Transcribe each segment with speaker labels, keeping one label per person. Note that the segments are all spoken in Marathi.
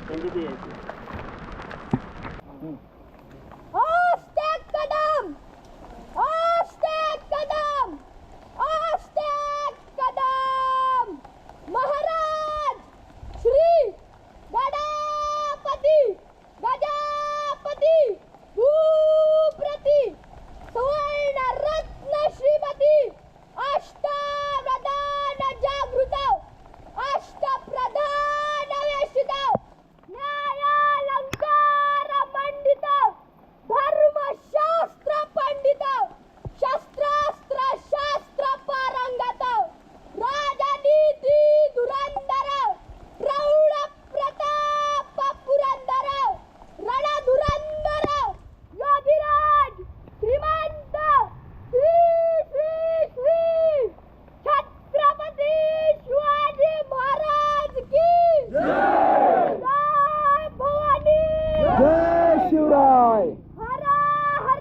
Speaker 1: महाराज श्री गणपती गजापती भूप्रती सुवर्ण रत्न श्रीमती अष्टप्रधान जागृत अष्टप्रधान वेशित न्यायालंकार मंडित धर्मशास्त्र पंडित शस्त्रास्त्र शास्त्र पारंगत राजनीती धुरंधर प्रौढ प्रताप पुरंदर रणधुरंदर योगीराज श्रीमंत श्री श्री श्री छत्रपती शिवाजी महाराज की जय भवानी
Speaker 2: जय शिवराय.
Speaker 1: हर हर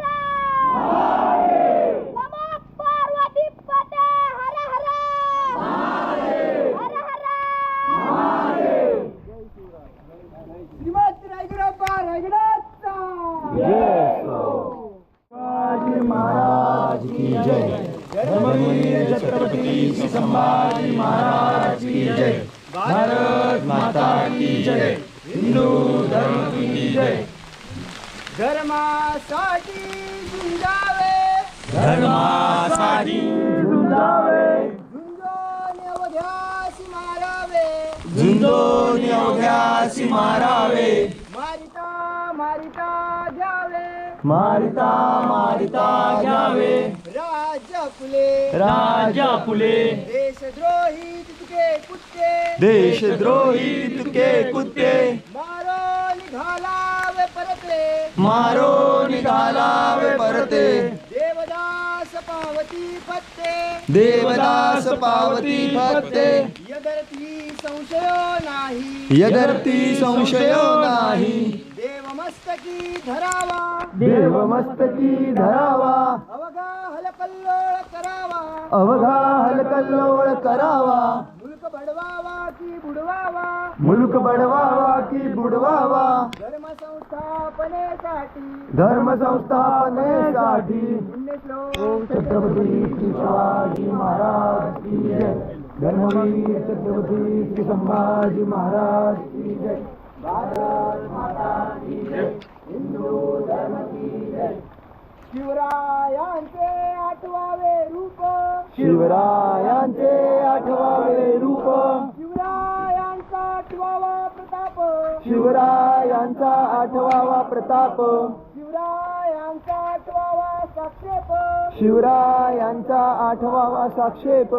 Speaker 1: नमो पार्वती पते हर हर हर हर
Speaker 2: श्रीमंत रायगडप्पा रायगडाचा शिवाजी महाराज की जय. धर्मवीर छत्रपती संभाजी महाराज की जय. भारत माता की जय. हिंदू धर्म की जय. धर्मासाठी झुंजावे धर्मासाठी झुंजावे झुंजोन अवघ्यासी मारावे झुंजोन अवघ्यासी मारावे मारिता मारिता जावे मारिता मारिता जावे राजा फुले देशद्रोही तुके कुत्ते देशद्रोही तुके कुत्ते मारो निघालावे परते मारो निघालावे परते देवदास पावती पत्ते देवदास पावती पत्ते यदरती संशयो नाही यदरती संशयो नाही देवमस्तकी धरावा देवमस्तकी धरावा अवघा हलकल्लोळ करावा अवघा हलकल्लोळ करावा मुलक बडवावा की बुडवावा मुलक बडवावा की बुडवावा धर्म संस्थापनेसाठी पुण्यश्लोक छत्रपती शिवाजी महाराज की जय. धर्मवीर छत्रपती संभाजी महाराज की जय. भारत माता की जय. हिंदू धर्म की जय. शिवरायांचे आठवावे रूप शिवरायांचे आठवावे रूप शिवरायांचा आठवावा प्रताप शिवरायांचा आठवावा प्रताप शिवरायांचा आठवावा साक्षेप शिवरायांचा आठवावा साक्षेप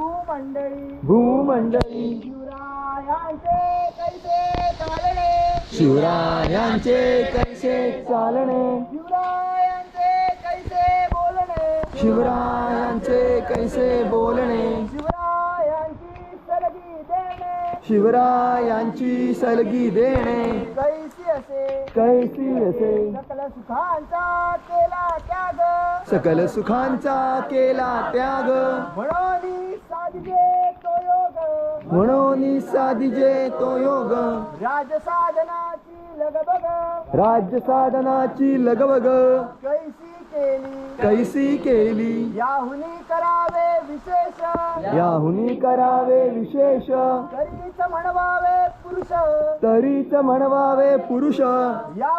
Speaker 2: भूमंडळी शिवरायांचे कैसे चालणे शिवरायांचे कैसे चालणे शिवरायांचे कैसे बोलणे शिवरायांची सलगी देणे कैसी असे सकल सुखांचा केला त्याग म्हणून साधिजे तो योग राज्य साधनाची लगबग कैसी केली याहुनी करावे विशेष तरीच म्हणवावे पुरुष या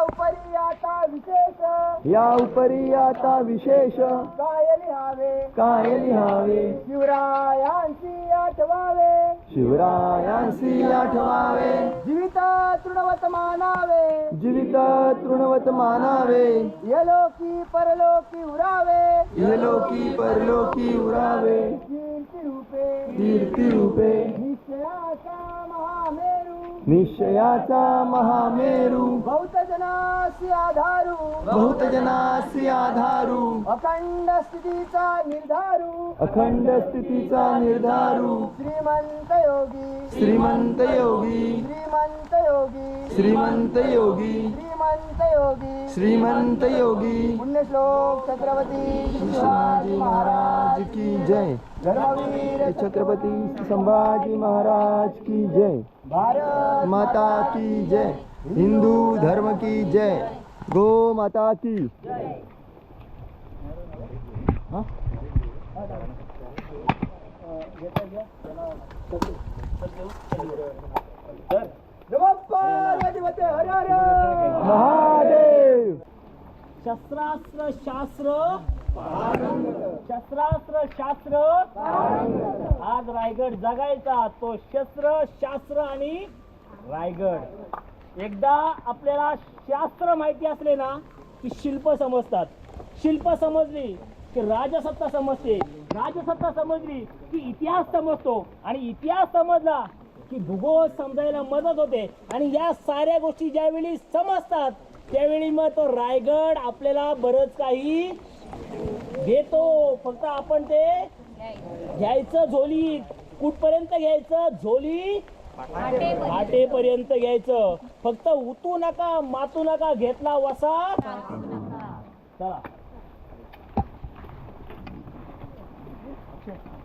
Speaker 2: उपरी आता विशेष काय लिहावे शिवरायांची आठवावे जीवित तृणवत मानावे यलोकी परलोकी उरावे कीर्ती रूपे निश्चयाचा महामेरू बहुत जनासी आधारू अखंड स्थितीचा निर्धारू श्रीमंत योगी श्रीमंत योगी
Speaker 3: पुण्यश्लोक छत्रपती
Speaker 2: शिवाजी महाराज की जय
Speaker 3: धर्मवीर
Speaker 2: छत्रपती संभाजी महाराज की जय
Speaker 3: भारत
Speaker 2: माता की जय हिंदू धर्म की जय गो माता की हाँ?
Speaker 3: नमः पार्वतीपते हर हर
Speaker 2: महादेव
Speaker 4: शस्त्रास्त्र शास्त्र शस्त्रास्त्र शास्त्र आज रायगड जगायचा तो शस्त्र शास्त्र आणि रायगड. एकदा आपल्याला शास्त्र माहिती असले ना की शिल्प समजतात, शिल्प समजली की राजसत्ता समजते, राजसत्ता समजली की इतिहास समजतो आणि इतिहास समजला की भूगोल समजायला मदत होते. आणि या साऱ्या गोष्टी ज्यावेळी समजतात त्यावेळी मग तो रायगड आपल्याला बरंच काही देतो. फक्त आपण ते घ्यायचं झोलीत. कुठपर्यंत घ्यायचं? झोली फाटेपर्यंत घ्यायचं. फक्त उतू नका, मातू नका. घेतला वसा चला.